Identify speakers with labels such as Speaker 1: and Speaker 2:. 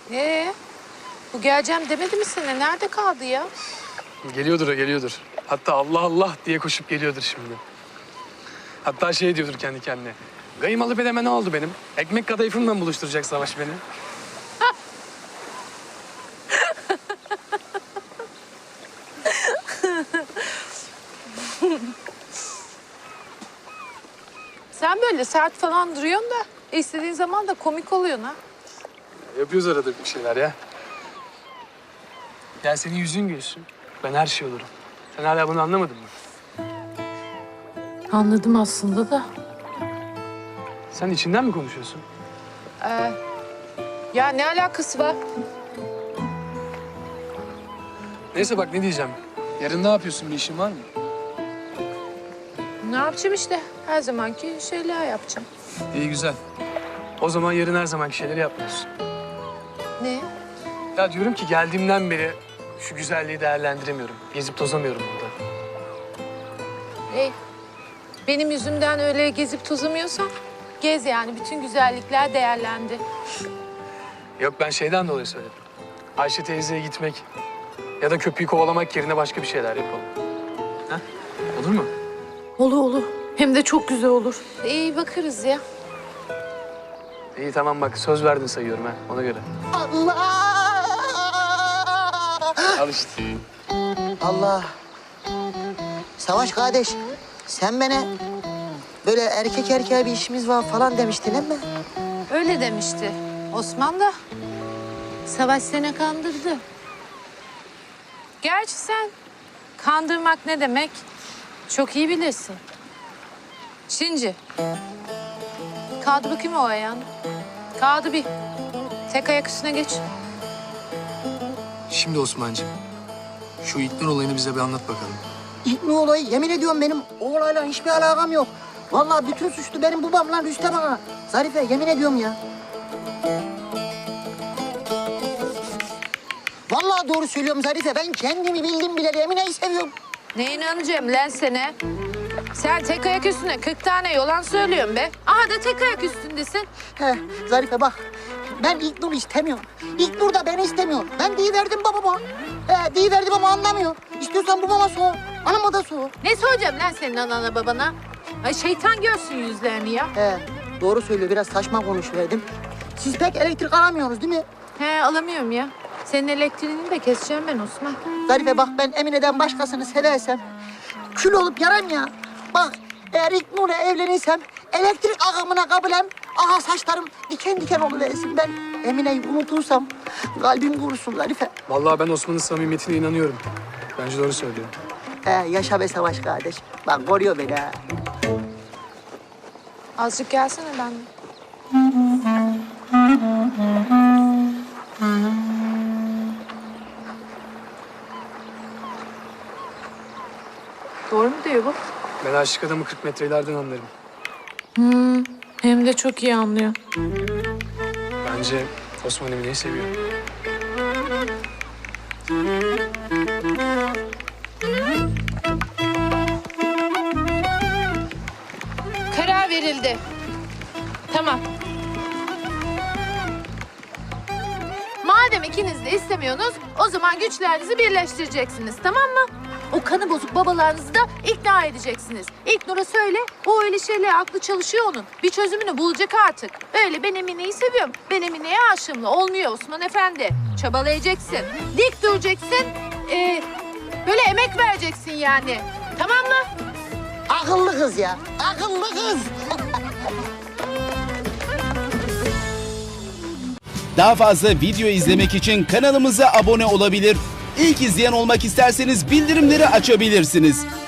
Speaker 1: Bu geleceğim demedi mi sana? Nerede kaldı ya?
Speaker 2: Geliyordur o, geliyordur. Hatta Allah Allah diye koşup geliyordur şimdi. Hatta şey diyordur kendi kendine. Kaymalı bedeme ne oldu benim? Ekmek kadayıfımla mı buluşturacak Savaş beni?
Speaker 1: Sen böyle sert falan duruyorsun da istediğin zaman da komik oluyorsun ha.
Speaker 2: Yapıyoruz arada bir şeyler ya. Ya senin yüzün gülsün. Ben her şey olurum. Sen hala bunu anlamadın mı?
Speaker 1: Anladım aslında da.
Speaker 2: Sen içinden mi konuşuyorsun?
Speaker 1: Ya ne alakası var?
Speaker 2: Neyse bak ne diyeceğim. Yarın ne yapıyorsun? Bir işin var mı?
Speaker 1: Ne yapacağım işte? Her zamanki şeyler yapacağım.
Speaker 2: İyi güzel. O zaman yarın her zamanki şeyleri yapmıyorsun.
Speaker 1: Ne?
Speaker 2: Ya diyorum ki geldiğimden beri şu güzelliği değerlendiremiyorum. Gezip tozamıyorum burada.
Speaker 1: Benim yüzümden öyle gezip tozamıyorsan gez yani. Bütün güzellikler değerlendi.
Speaker 2: Yok ben şeyden dolayı söyledim. Ayşe teyzeye gitmek ya da köpüğü kovalamak yerine başka bir şeyler yapalım. Ha? Olur mu?
Speaker 1: Olur. Hem de çok güzel olur. İyi bakarız ya.
Speaker 2: İyi tamam bak söz verdin sayıyorum ha ona göre.
Speaker 3: Allah!
Speaker 2: Al işte.
Speaker 3: Allah! Savaş kardeş, sen bana böyle erkek erkeğe bir işimiz var falan demiştin değil mi?
Speaker 1: Öyle demişti. Osman da Savaş seni kandırdı. Gerçi sen kandırmak ne demek çok iyi bilirsin. Şimdi kaldı bakayım o ayağını. Kaldı bir. Tek ayak üstüne geç.
Speaker 4: Şimdi Osman'cığım, şu İlknur olayını bize bir anlat bakalım.
Speaker 3: İlk olayı yemin ediyorum benim o olayla hiçbir alakam yok. Vallahi bütün suçlu benim babamla Rüstem Ağa. Zarife yemin ediyorum ya. Vallahi doğru söylüyorum Zarife. Ben kendimi bildim bile Emine'yi seviyorum.
Speaker 1: Ne inanacağım lan sana? Sen tek ayak üstüne 40 tane yalan söylüyorsun be. Aha da tek ayak üstündesin.
Speaker 3: He Zarife bak. Ben İlknur'u istemiyorum. İlknur da beni istemiyor. Ben deyiverdim babama. Deyiverdim ama anlamıyor. İstiyorsan babama sor. Anama da sor.
Speaker 1: Ne soracağım lan senin anana babana? Ay şeytan görsün yüzlerini ya.
Speaker 3: He doğru söylüyor. Biraz saçma konuşuverdim. Siz pek elektrik alamıyorsunuz değil mi?
Speaker 1: He alamıyorum ya. Senin elektriğini de keseceğim ben Osman.
Speaker 3: Zarife bak ben Emine'den başkasını seversem kül olup yaram ya. Bak eğer İlknur'la evlenirsem elektrik akımına kabulem. Aha saçlarım diken diken oluversin. Ben Emine'yi unutursam kalbim kurusun Zarife.
Speaker 2: Vallahi ben Osman'ın samimiyetine inanıyorum. Bence doğru söylüyor.
Speaker 3: Yaşa be Savaş kardeş. Bak koruyor beni ha.
Speaker 1: Azıcık gelsene benimle. Doğru mu diyor bu?
Speaker 2: Ben aşık adamı 40 metrelerden anlarım.
Speaker 1: Hem de çok iyi anlıyor.
Speaker 2: Bence Osman Emine'yi seviyor.
Speaker 1: Karar verildi. Tamam. Madem ikiniz de istemiyorsunuz, o zaman güçlerinizi birleştireceksiniz, tamam mı? O kanı bozuk babalarınızı da ikna edeceksiniz. İlknur'a söyle, o öyle şeyle aklı çalışıyor onun. Bir çözümünü bulacak artık. Öyle ben Emine'yi seviyorum, ben Emine'ye aşığımla olmuyor Osman Efendi. Çabalayacaksın, dik duracaksın, böyle emek vereceksin yani. Tamam mı?
Speaker 3: Akıllı kız ya. Akıllı kız.
Speaker 5: Daha fazla video izlemek için kanalımıza abone olabilir. İlk izleyen olmak isterseniz bildirimleri açabilirsiniz.